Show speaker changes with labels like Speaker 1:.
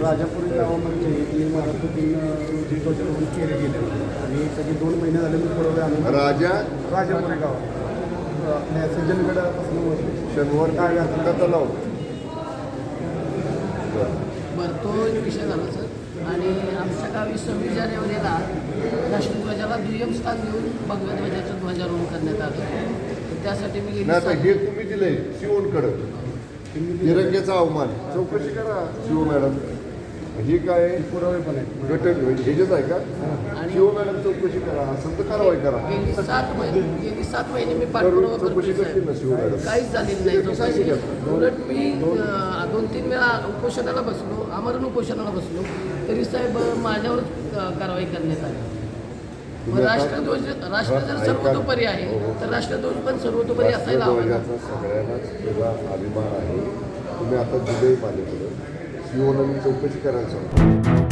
Speaker 1: राजापुरी गावामध्ये 3 मार्च रोजी ध्वजारोहण केले गेले आणि सगळे 2 महिने झाले मी पुरवले आणून राजापुरी गावात आपल्या सज्जनगडापासून
Speaker 2: शनिवार काय घातला तलाव.
Speaker 3: बरं, तो एक विषय झाला सर. आणि आमच्या गावी 26 जानेवारीला राष्ट्रध्वजाला दुय्यम स्थान देऊन भगव्या ध्वजाचं ध्वजारोहण करण्यात आलं. तर त्यासाठी मी
Speaker 2: नाही आता हे तुम्ही दिलंय शिवणकडं तिरंग्याचा अवमान. चौकशी करा शिव मॅडम. हे काय
Speaker 1: पुरावे पण आहेत.
Speaker 2: घटक ह्याचेच आहे का? शिव मॅडम चौकशी करा, असेल तर कारवाई करा.
Speaker 3: गेली 7 महिने मी पाठपुरावा
Speaker 2: चौकशी करतील ना शिव मॅडम.
Speaker 3: काहीच झालेलं नाही चौकशी. उलट मी 2-3 वेळा उपोषणाला बसलो, आमरण उपोषणाला बसलो, तरी साहेब माझ्यावरच कारवाई करण्यात आली. मग राष्ट्र जर सर्वतोपरी आहे तर राष्ट्रध्वज पण सर्वतोपरी असायला हवा.
Speaker 2: सगळ्यांनाच वेगळा अभिमान आहे. तुम्ही आता जुलै माझ्याकडं शिवनं चौकशी करायला सांगतो.